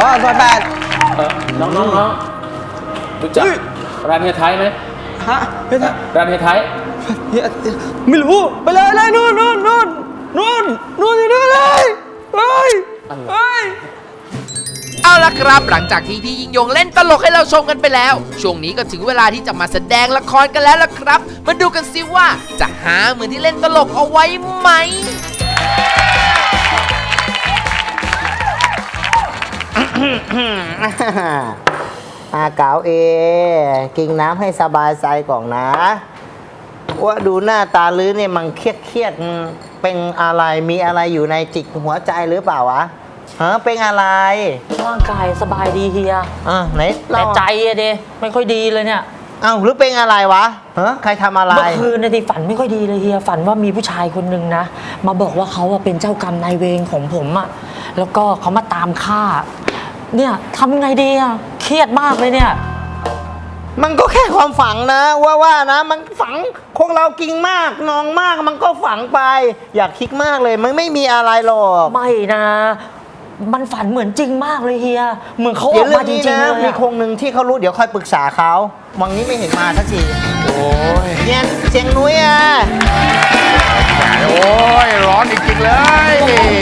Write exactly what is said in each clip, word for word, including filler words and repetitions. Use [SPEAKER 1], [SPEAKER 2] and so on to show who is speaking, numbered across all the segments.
[SPEAKER 1] ซอยแปด
[SPEAKER 2] น้องน้องน้องรู้จักร้านเฮียไทยไหม
[SPEAKER 1] ฮะเฮียไทย
[SPEAKER 2] ร้านเฮียไทย
[SPEAKER 1] เฮียไม่รู้ไปเลยเลยนู่นนู่นนู่นนู่นนู่นอยู่นู่นเลยเฮ้ยเฮ้ย
[SPEAKER 3] เอาล่ะครับหลังจากที่พี่ยิ่งยงเล่นตลกให้เราชมกันไปแล้วช่วงนี้ก็ถึงเวลาที่จะมาแสดงละครกันแล้วล่ะครับมาดูกันซิว่าจะหาเหมือนที่เล่นตลกเอาไว้ไหม
[SPEAKER 4] อาเก๋าเอกินน้ำให้สบายใจก่อนนะว่าดูหน้าตาลื้อเนี่ยมันเครียดเครียดเป็นอะไรมีอะไรอยู่ในจิตหัวใจหรือเปล่าวะฮะเป็นอะไร
[SPEAKER 5] ร่างกายสบายดีเฮีย
[SPEAKER 4] อ่ะไหน
[SPEAKER 5] แต่ใจอะเดไม่ค่อยดีเลยเนี่ย
[SPEAKER 4] อ้าวหรือเป็นอะไรวะฮะใครทำอะไร
[SPEAKER 5] เมื่อคืนนะดิฝันไม่ค่อยดีเลยเฮียฝันว่ามีผู้ชายคนหนึ่งนะมาบอกว่าเขาเป็นเจ้ากรรมนายเวรของผมอะแล้วก็เขามาตามฆ่าเนี่ยทำยังไงดีอะเครียดมากเลยเนี่ย
[SPEAKER 4] มันก็แค่ความฝังนะว่าว่านะมันฝังพวกเรากินมากนองมากมันก็ฝังไปอยากคิดมากเลยมันไม่มีอะไรหรอก
[SPEAKER 5] ไม่นะมันฝันเหมือนจริงมากเลยเฮียเหมือนเขาออกมาจริงๆเลย
[SPEAKER 4] มีคงหนึ่งที่เขารู้เดี๋ยวค่อยปรึกษาเขาวันนี้ไม่เห็นมาสักที
[SPEAKER 2] โอ้ย
[SPEAKER 4] เนี่ยเสียงนุ้ยอ่ะ
[SPEAKER 2] โอ้ยร้อนจริงๆเลย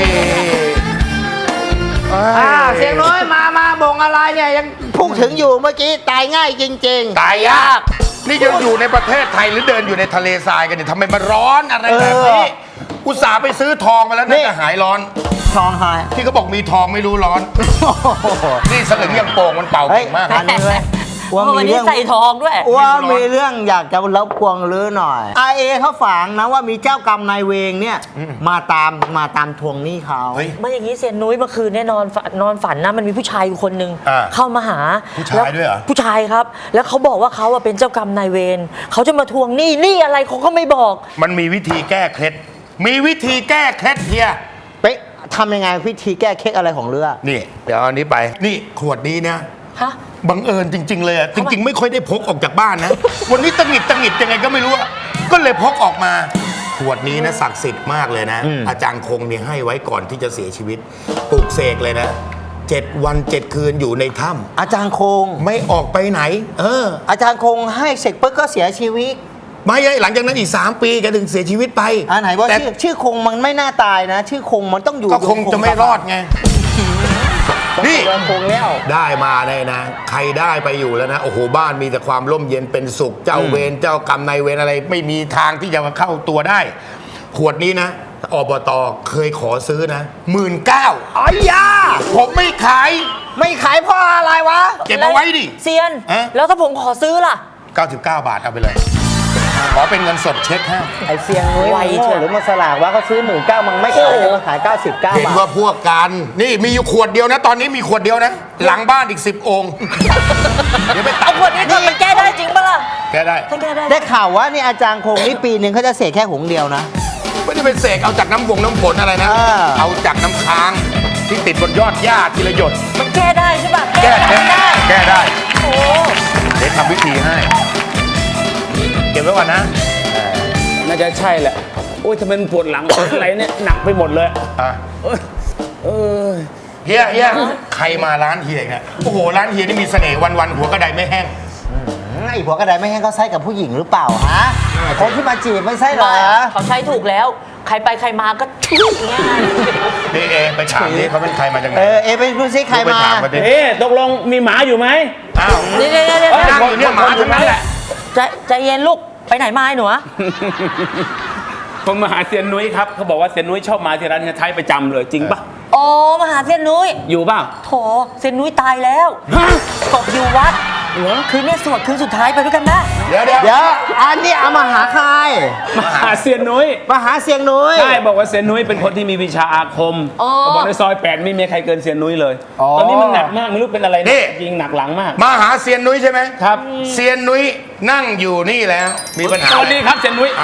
[SPEAKER 4] อ่าเสียงนุ้ยมามาบ่งอะไรเนี่ยยังพูดถึงอยู่เมื่อกี้ตายง่ายจริง
[SPEAKER 2] ๆตายยากนี่ยังอยู่ในประเทศไทยหรือเดินอยู่ในทะเลทรายกันเนี่ยทำไมมันร้อนอะไรแบบนี้อุตส่าห์ไปซื้อทองมาแล้วน่าจะหายร้อน
[SPEAKER 4] ทองหาย
[SPEAKER 2] ที่เขาบอกมีทองไม่รู้ร้อนนี่สลึงยังโป่งมันเป่าเก่งมาก
[SPEAKER 4] อันนี้เลย
[SPEAKER 5] ว่ามีเรื่องใส่ทองด้วย
[SPEAKER 4] ว่ามีเรื่องอยากจะรบกวนลื้อหน่อยไอเอเขาฝังนะว่ามีเจ้ากรรมนายเวรเนี่ยมาตามมาตามทวงหนี้เขา
[SPEAKER 5] ไม่อย่างนี้เซียนนุ้ยเมื่อคืนเนี่ยนอนนอนฝันนะมันมีผู้ชายอยู่คนหนึ่งเข้ามาหา
[SPEAKER 2] ผู้ชายด้วยเหรอ
[SPEAKER 5] ผู้ชายครับแล้วเขาบอกว่าเขาเป็นเจ้ากรรมนายเวรเขาจะมาทวงหนี้หนี้อะไรเขาก็ไม่บอก
[SPEAKER 2] มันมีวิธีแก้เคล็ดมีวิธีแก้เคล็ดเฮีย
[SPEAKER 4] ไปทำยังไงวิธีแก้เคล็ดอะไรของเรือ
[SPEAKER 2] นี่เดี๋ยวอันนี้ไปนี่ขวดนี้นะ
[SPEAKER 5] ฮะ
[SPEAKER 2] บังเอิญจริงๆเลยอ่ะจริงๆไม่ค่อยได้พกออกจากบ้านนะวันนี้ตังหิดตังหิดยังไงก็ไม่รู้ก็เลยพกออกมาขวดนี้นะศักดิ์สิทธิ์มากเลยนะอาจารย์คงเนี่ยให้ไว้ก่อนที่จะเสียชีวิตปลูกเสกเลยนะเจ็ดวันเจ็ดคืนอยู่ในถ้ำ
[SPEAKER 4] อาจารย์คง
[SPEAKER 2] ไม่ออกไปไหนเออ
[SPEAKER 4] อาจารย์คงให้เสกปุ๊บก็เสียชีวิต
[SPEAKER 2] ไม่ใช่หลังจากนั้นอีกสามปีแกถึงเสียชีวิตไป
[SPEAKER 4] อ่าไหนว่าชื่อชื่อคงมันไม่น่าตายนะชื่อคงมันต้องอยู่
[SPEAKER 2] ก็คงจะไม่รอดไงนี่
[SPEAKER 4] คงแล้ว
[SPEAKER 2] ได้มาได้นะใครได้ไปอยู่แล้วนะโอ้โหบ้านมีแต่ความร่มเย็นเป็นสุขเจ้าเวรเจ้ากรรมนายเวรอะไรไม่มีทางที่จะมาเข้าตัวได้ขวดนี้นะอบต.เคยขอซื้อนะหมื่นเก้า
[SPEAKER 4] อ๋อยา
[SPEAKER 2] ผมไม่ขาย
[SPEAKER 4] ไม่ขายเพราะอะไรวะ
[SPEAKER 2] เก็บเอาไว้ดิ
[SPEAKER 5] เซียนแล้วถ้าผมขอซื้อล่ะ
[SPEAKER 2] เก้าสิบเก้าบาทเอาไปเลยขอเป็นเงินสดเช็คให้
[SPEAKER 4] ไอเซียงนุ้ยหรือมาสลากว่าเขาซื้อหมื่นเก้ามันไม่ขายมาขายเก้าสิบเก้าบาท
[SPEAKER 2] เห็นว่าพวกกันนี่มีอยู่ขวดเดียวนะตอนนี้มีขวดเดียวนะหลังบ้านอีกสิบองค์
[SPEAKER 5] เดี๋ยวไปตัดขวดนี้มันแก้ได้จริงปะล่ะ
[SPEAKER 2] แก้ได้
[SPEAKER 4] ได้ข่าวว่านี่อาจารย์คงนี่ปีหนึ่งเขาจะเสกแค่หงเดียวนะ
[SPEAKER 2] ไม่ได้เป็นเสกเอาจากน้ำวงน้ำฝนอะไรนะเอาจากน้ำค้างที่ติดบนยอดหญ้าทีละหยด
[SPEAKER 5] มันแก้ได้ใช่ปะ
[SPEAKER 2] แก้ได้แก้ได้โอ้เดี๋ยวทำวิธีให้เก็บไว้ก่อนนะ
[SPEAKER 6] น่าจะใช่แหละโอ้ยทำไมมันปวดหลังอะไรเนี่ยหนักไปหมดเลยอ่ะ
[SPEAKER 2] เออเฮียเฮียใครมาร้านเฮียเนี่ยโอ้โหร้านเฮียนี่มีเสน่ห์วันๆหัวกระไดไม่แห้ง
[SPEAKER 4] ไอ้หัวกระไดไม่แห้งเขาใช้กับผู้หญิงหรือเปล่าฮะคนที่มาจีบไม่ใช่เหรอ
[SPEAKER 5] เขาใช้ถูกแล้วใครไปใครมาก็ทุกง่าย
[SPEAKER 2] นี่เอไปถามนี่เขาเป็นใครมาจากไหน
[SPEAKER 4] เออเอไปดูซิใครมา
[SPEAKER 6] เอ๊ตกลงมีหมาอยู่ไหม
[SPEAKER 2] อ้าว
[SPEAKER 5] เดี๋ยวเดี๋ยวเดี๋ยว
[SPEAKER 2] นั่งอยู่เนี่ยหมาทั้งนั้นแหละ
[SPEAKER 5] ใจเย็นลูกไปไหนมาหนู
[SPEAKER 6] ผมมาหาเซียนนุ้ยครับเขาบอกว่าเซียนนุ้ยชอบมาที่ร้านเฮียไทยประจำเลยจริงปะ
[SPEAKER 5] อ๋อมาหาเซียนนุ้ย
[SPEAKER 6] อยู่ป่ะ
[SPEAKER 5] โถเซียนนุ้ยตายแล้วตกอยู่วัดคืนนี้สวดคืนสุดท้ายไปด้วยกันนะ
[SPEAKER 2] เดี๋ยวเดี๋ยว
[SPEAKER 4] เดี๋ยวอันนี้เอามาหาใคร
[SPEAKER 6] มาหาเซียนนุ้ย
[SPEAKER 4] มาหาเซียนนุ้ย
[SPEAKER 6] ใช่บอกว่าเซียนนุ้ยเป็นคนที่มีวิชาอาคมบอกในซอยแปดไม่มีใครเกินเซียนนุ้ยเลยตอนนี้มันหนักมากไม่รู้เป็นอะไรนี่ยิงหนักหลังมาก
[SPEAKER 2] มาหาเซียนนุ้ยใช่ไหม
[SPEAKER 6] ครับ
[SPEAKER 2] เซียนนุ้ยนั่งอยู่นี่แล้วมีปัญหา
[SPEAKER 6] สวัสดีครับเซียนนุ้ย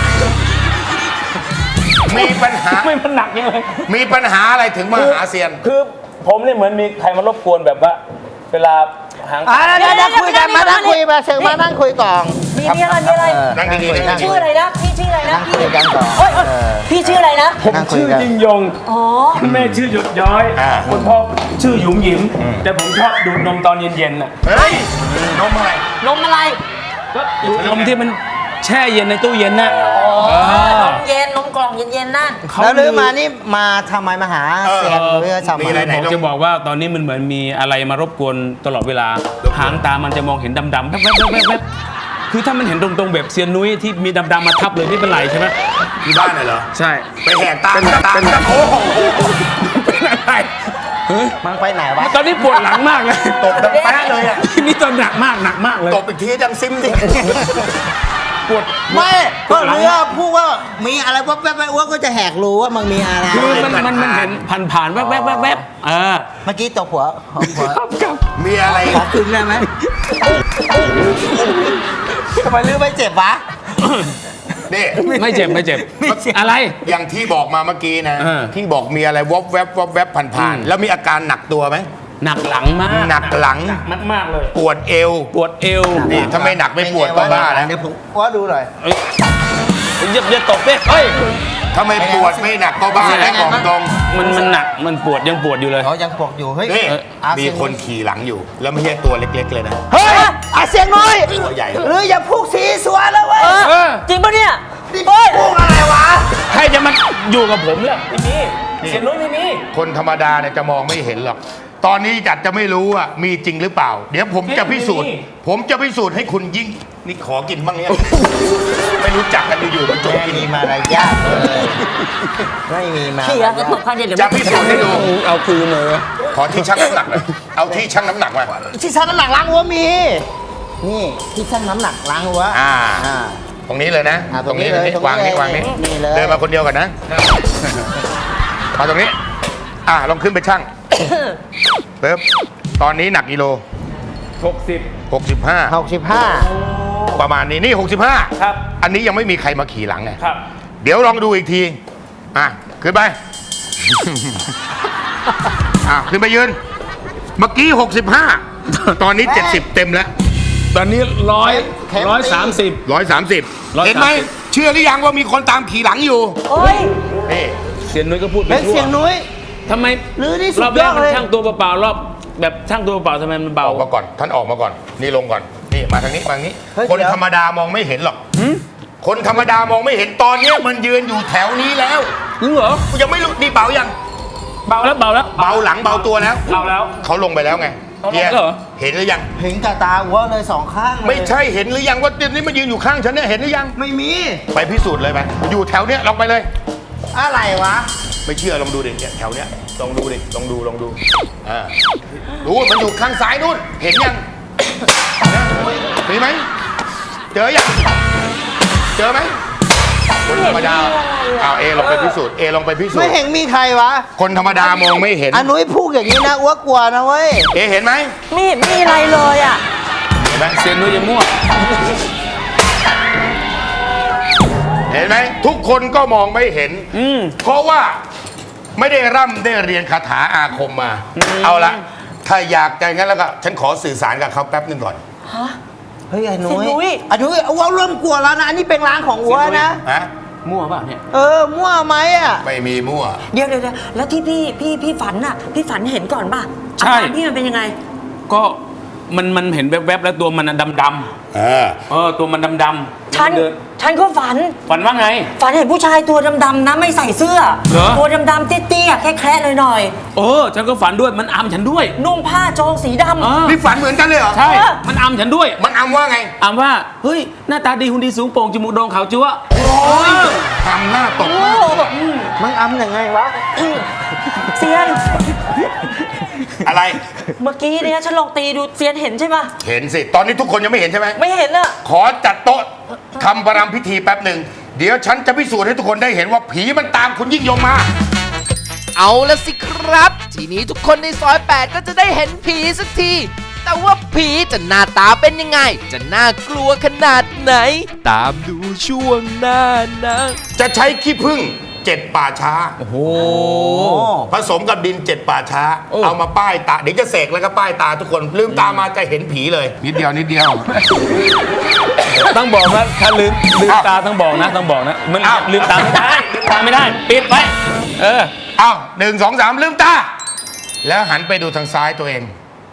[SPEAKER 2] มีปัญหา
[SPEAKER 6] ไม่มันหนักยังไง
[SPEAKER 2] มีปัญหาอะไรถึงมาหาเซียน
[SPEAKER 6] คือผมเนี่ยเหมือนมีใครมารบกวนแบบว่าเวลาหาง
[SPEAKER 4] อ่าเดี๋ยวเดี๋ยวคุยกันมานั่งคุยมาเชิญมานั่งคุยก่อน
[SPEAKER 5] มีมีอะไรมีอะไร
[SPEAKER 4] เออ
[SPEAKER 2] นั่งดีๆ
[SPEAKER 4] คุย
[SPEAKER 2] นั่งดีๆ
[SPEAKER 5] ชื่ออะไรนะพี่ชื่ออะไรนะ
[SPEAKER 4] นั่งคุยกันก่อน
[SPEAKER 5] โอ๊ยโอ๊ย
[SPEAKER 4] เออ
[SPEAKER 5] พี่ชื่ออะไรนะ
[SPEAKER 6] ผม
[SPEAKER 4] นั่งคุย
[SPEAKER 6] ชื่อ
[SPEAKER 4] กัน
[SPEAKER 6] ยิ่งยง
[SPEAKER 5] อ๋อ
[SPEAKER 6] คุณแม่ชื่อหยดย้อย
[SPEAKER 2] อ่า
[SPEAKER 6] คุณพ่อชื่อหยุมหยิม แต่ผมชอบดูดนมตอนเย็นๆน่ะ
[SPEAKER 2] เฮ้ยนมอะไร
[SPEAKER 5] นมอะไร
[SPEAKER 6] ก็ดูดนมที่มันแช่เย็นในตู้เย็นน่ะ
[SPEAKER 5] อ๋อนมเย็นนมกล่องเย็นๆนั่น
[SPEAKER 6] เขา
[SPEAKER 4] แล้วลือมานี่มาทำไมมาหาเสียงเรือทำไม
[SPEAKER 2] มีอะไรไหน
[SPEAKER 6] ผมจะบอกว่าตอนนี้มันเหมือนมีอะไรมารบกวนตลอดเวลา หางตามันจะมองเห็นดำๆแว๊บๆแว๊บๆคือถ้ามันเห็นตรงๆแบบเซียนนุ้ยที่มีดำๆมาทับเลยไม่เป็นไรใช่ไหม
[SPEAKER 2] ที่บ้านน่ะเหรอ
[SPEAKER 6] ใช่
[SPEAKER 2] ไปแหกตาตาตาโอ้โห
[SPEAKER 6] เป็นอะไรเฮ้ย
[SPEAKER 4] มันไปไหนวะ
[SPEAKER 6] ตอนนี้ปวดหลังมากเลย
[SPEAKER 2] ตบดังแป๊ะเลยอ่ะ
[SPEAKER 6] ทีนี้ตอนหนักมากหนักมากเลย
[SPEAKER 2] ตบอีกทีดังซิมดิ
[SPEAKER 6] ปวด
[SPEAKER 4] ไม่ก็เรือพูดว่ามีอะไรวับแวบแวบว่าก็จะแหกรู้ว่ามันมีอะไร
[SPEAKER 6] คือมันมันมันเห็นผ่านผ่านๆแวบแวบแวบแวบเออ
[SPEAKER 4] เมื่อกี้ตบหัวหัว
[SPEAKER 6] ครับครับ
[SPEAKER 2] มีอะไร
[SPEAKER 4] ขอคืนได้ไหมทำไมลือไม่เจ็บวะ
[SPEAKER 2] นี่
[SPEAKER 6] ไม่เจ็บไม่เจ็บ อะไร
[SPEAKER 2] อย่างที่บอกมาเมื่อกี้นะ
[SPEAKER 6] เออ
[SPEAKER 2] ที่บอกมีอะไรวบแวบวบแวบผ่านๆแล้วมีอาการหนักตัวไหม
[SPEAKER 6] หนักหลังมาก
[SPEAKER 2] หนักหลัง
[SPEAKER 6] มากมากๆเลย
[SPEAKER 2] ปวดเอว
[SPEAKER 6] ปวดเอว
[SPEAKER 2] นี่ถ้าไม่หนักไม่ปวดก็บ้าแล้ว
[SPEAKER 4] เดี๋ยวผมว่าดูหน่อย
[SPEAKER 6] เอ้ยอย่าอย่าตบดิเฮ้ย
[SPEAKER 2] ถ้าไม่ปวดไม่หนักก็บ้าแล้วบอกตรง
[SPEAKER 6] มันมันหนักมันปวดยังปวดอยู่เลย
[SPEAKER 4] เขายังปวดอยู่เฮ้ย
[SPEAKER 2] นี่
[SPEAKER 4] อา
[SPEAKER 2] มี
[SPEAKER 4] เซีย
[SPEAKER 2] คนขี่หลังอยู่ แล้วไม่ใช่ตัวเล็กๆเลยนะ
[SPEAKER 4] เฮ้ยอาเซียนน้อย
[SPEAKER 2] ตัวใหญ่
[SPEAKER 4] หรืออย่าพูดสีสวยแล้วเว้ย
[SPEAKER 6] เออ
[SPEAKER 5] จริงปะเนี่ย
[SPEAKER 4] เฮ้ยพูดอะไรวะ
[SPEAKER 6] ใครจะมาอยู่กับผมล่ะไม่มีเสียนุ้ยไม่มี
[SPEAKER 2] คนธรรมดาเนี่ยจะมองไม่เห็นหรอก ตอนนี้จัดจะไม่รู้ว่ามีจริงหรือเปล่า เดี๋ยวผมจะพิสูจน์ ผมจะพิสูจน์ให้คุณยิ่ง นี่ขอกินบ้างเนี่ย ไม่รู้จักกันอยู่ๆมันจบ
[SPEAKER 4] ไม่
[SPEAKER 2] กิน
[SPEAKER 4] มีมารยาทเลยไม่มีมาร
[SPEAKER 5] เขี่ย
[SPEAKER 4] ยาท
[SPEAKER 5] ก็ตบข้างเดียวเดี๋ยว
[SPEAKER 2] จะพิสูจน์ให้ดู
[SPEAKER 6] เอาคืนเลย
[SPEAKER 2] ขอที่ชั่งน้ำหนักหน่อยเอาที่ชั่งน้ำหนักมา
[SPEAKER 4] ที่ชั่งน้ำหนักล้างหัวมี นี่ที่ชั่งน้ำหนักล้างหัว
[SPEAKER 2] อ่า
[SPEAKER 4] อ่า
[SPEAKER 2] ตรงนี้เลยนะ
[SPEAKER 4] อ่าตรงนี้เลย
[SPEAKER 2] ตรง
[SPEAKER 4] ตรงนี้
[SPEAKER 2] วางนี่วางนี่
[SPEAKER 4] นี่เลย
[SPEAKER 2] เดินมาคนเดียวกันนะ มาตรงนี้ อ่าลองขึ้นไปชั่งเริ่มตอนนี้หนักกิโล
[SPEAKER 6] หกสิบ
[SPEAKER 2] หกสิบห้า
[SPEAKER 4] หกสิบห้า
[SPEAKER 2] ประมาณนี้นี่หกสิบห้า
[SPEAKER 6] ครับ
[SPEAKER 2] อันนี้ยังไม่มีใครมาขี่หลังไง
[SPEAKER 6] ครับ
[SPEAKER 2] เดี๋ยวลองดูอีกที อ่ะ ขึ้นไป อ่ะ ขึ้นไปยืน เมื่อกี้ 65 ตอนนี้ 70 เต็มแล้ว
[SPEAKER 6] ตอนนี้ร้อยร้อยสามสิบ
[SPEAKER 2] ร้อยสามสิบ
[SPEAKER 6] ร้อยสามสิบ
[SPEAKER 2] เห็นไหม เชื่อหรือยังว่ามีคนตามขี่หลังอยู่
[SPEAKER 5] โอ้ย
[SPEAKER 2] นี่
[SPEAKER 6] เสียนุ้ยก็พูดไป
[SPEAKER 4] เป็น
[SPEAKER 6] ทั่ว
[SPEAKER 4] เสียงนุ้ย
[SPEAKER 6] ทำไม
[SPEAKER 4] หรือนี่สุด
[SPEAKER 6] รอบแรก
[SPEAKER 4] ยอด
[SPEAKER 6] มัน
[SPEAKER 4] เลย
[SPEAKER 6] ช่างตัวเปล่าๆรอบแบบช่างตัวเปล่าๆทำไมมัน
[SPEAKER 2] อ
[SPEAKER 6] เบา
[SPEAKER 2] อกมาก่อน ท่านออกมาก่อน นี่ลงก่อน นี่มาทางนี้มาทางนี้
[SPEAKER 4] เฮ้ย
[SPEAKER 2] คน
[SPEAKER 4] เดี๋ยว
[SPEAKER 2] ธรรมดามองไม่เห็นหรอก คนธรรมดามองไม่เห็นตอนเนี้ยมันยืนอยู่แถวนี้แล้ว
[SPEAKER 6] จริงเหรอ
[SPEAKER 2] ยังไม่รู้นี่เบายัง
[SPEAKER 6] เบาแล้วเบาแล้ว
[SPEAKER 2] เบาหลังเบาตัวแล้ว
[SPEAKER 6] เบาแล้ว
[SPEAKER 2] เขาลงไปแล้วไง
[SPEAKER 6] เอาลง
[SPEAKER 2] เนี่ย
[SPEAKER 6] แล้วเหรอ
[SPEAKER 2] เห็นหรือยัง
[SPEAKER 4] เห็นกับตาหัวเลยสองข้างเลย
[SPEAKER 2] ไม่ใช่เห็นหรือยังว่าเดี๋ยวนี้มันยืนอยู่ข้างฉันเนี่ยเห็นหรือยัง
[SPEAKER 4] ไม่มี
[SPEAKER 2] ไปพิสูจน์เลยไปอยู่แถวเนี้ยลองไปเลย
[SPEAKER 4] อะไรวะ
[SPEAKER 2] ไม่เชื่อลองดูดิเนี่ยแถวเนี้ยลองดูดิลองดูลองดูอ่าดูมันอยู่ข้างซ้ายนู่นเห็นยังมีไหมเจอยังเจอไหมคนธรรมดาเอาเอลองไปพิสูจน์เอลองไปพิสูจ
[SPEAKER 4] ไม่
[SPEAKER 2] น์
[SPEAKER 4] เห็นมีใครวะ
[SPEAKER 2] คนธรรมดามองไม่เห็น
[SPEAKER 4] อันนุ้ยพูดอย่างนี้นะอ้วกกลัวนะเว้ย
[SPEAKER 2] เอเห็นไหม
[SPEAKER 5] ไม่เห็นมีอะไรเลยอ่ะ
[SPEAKER 2] เห็นไหม
[SPEAKER 6] เสียนุ้ยยังมั่ว
[SPEAKER 2] เห็นไหมทุกคนก็มองไม่เห็น
[SPEAKER 6] อืม
[SPEAKER 2] เพราะว่าไม่ได้ร่ำได้เรียนคาถาอาคมมา เอาละถ้าอยากจะงั้นแล้วก็ฉันขอสื่อสารกับเขาแป๊บหนึงก่อน
[SPEAKER 4] เฮ้ยไอ้นุ้
[SPEAKER 5] เสียงนุ้
[SPEAKER 4] ย
[SPEAKER 5] ย
[SPEAKER 4] อันนุ้ยอ้วกเริ่มกลัวแล้วนะ อันนี้เป็นร้านของอ้วนะ
[SPEAKER 2] ฮะ
[SPEAKER 6] มั่วเปล่าเนี่ย
[SPEAKER 4] เออ มั่วไหมอ่ะ
[SPEAKER 2] ไม่มีมั่ว
[SPEAKER 5] เดี๋ยวเดี๋ยวเดี๋ยวแล้วที่พี่พี่พี่ฝันน่ะ พี่ฝันเห็นก่อนป่ะ
[SPEAKER 6] ใช่
[SPEAKER 5] อาการพี่มันเป็นยังไง
[SPEAKER 6] ก็มันมันเห็นแวบๆแล้วตัวมันดำดำ
[SPEAKER 2] เออ
[SPEAKER 6] ๆเออตัวมันดำดำ
[SPEAKER 5] ฉัน
[SPEAKER 6] เดิน
[SPEAKER 5] ฉันก็ฝัน
[SPEAKER 6] ฝันว่าไง
[SPEAKER 5] ฝันเห็นผู้ชายตัวดำๆนะไม่ใส่เสื้อ
[SPEAKER 6] เหรอ
[SPEAKER 5] ตัวดำๆเตี้ยๆแค่แคร์หน่อย
[SPEAKER 6] เออฉันก็ฝันด้วยมันอำฉันด้วย
[SPEAKER 5] ๆนุ่งผ้าโจงสีดำ
[SPEAKER 6] เออ
[SPEAKER 2] นี่ฝันเหมือนกันเลยเหรอ
[SPEAKER 6] ใช่
[SPEAKER 5] เออ
[SPEAKER 6] มันอำฉันด้วย
[SPEAKER 2] มันอำว่าไง
[SPEAKER 6] อำว่าเฮ้ยหน้าตาดีหุ่นดีสูงโปร่งจมูกโด่งขาวจั๊ว
[SPEAKER 2] ทำหน้าตกมาก
[SPEAKER 4] มึงอำยังไงวะ
[SPEAKER 5] เซียน
[SPEAKER 2] อะไร
[SPEAKER 5] เมื่อกี้เนี่ยฉันลองตีดูเซียนเห็นใช่ปะ
[SPEAKER 2] เห็นสิ ตอนนี้ทุกคนยังไม่เห็นใช่ไหม
[SPEAKER 5] ไม่เห็นอะ
[SPEAKER 2] ขอจัดโต๊ะทำประรำพิธีแป๊บหนึ่ง เดี๋ยวฉันจะพิสูจน์ให้ทุกคนได้เห็นว่าผีมันตามคุณยิ่งยงมา
[SPEAKER 3] เอาละสิครับ ทีนี้ทุกคนในซอยแปดก็จะได้เห็นผีสักที แต่ว่าผีจะหน้าตาเป็นยังไง จะน่ากลัวขนาดไหน ตามดูช่วงหน้านะ
[SPEAKER 2] จะใช้ขี้ผึ้งเจ็ดป่าช้า
[SPEAKER 6] โอ้โห
[SPEAKER 2] ผสมกับดินเจ็ดป่าช้า
[SPEAKER 6] โอ้
[SPEAKER 2] เอามาป้ายตาเดี๋ยวจะเสกแล้วก็ป้ายตาทุกคนลืมตามาจะเห็นผีเลย นิดเดียวนิดเดียว
[SPEAKER 6] ต้องบอกนะถ้าลืมลืมตาต้องบอกนะต้องบอกนะมัน
[SPEAKER 2] อ้าว
[SPEAKER 6] ลืมตาไม่ได้ลืมตาไม่ได้ปิดไว้เออ
[SPEAKER 2] เอาหนึ่งสองสามลืมตา แล้วหันไปดูทางซ้ายตัวเอง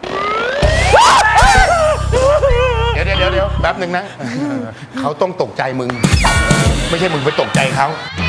[SPEAKER 2] เดี๋ยวเดี๋ยวเดี๋ยวแป๊บหนึ่งนะ เขาต้องตกใจมึง ไม่ใช่มึงไปตกใจเขา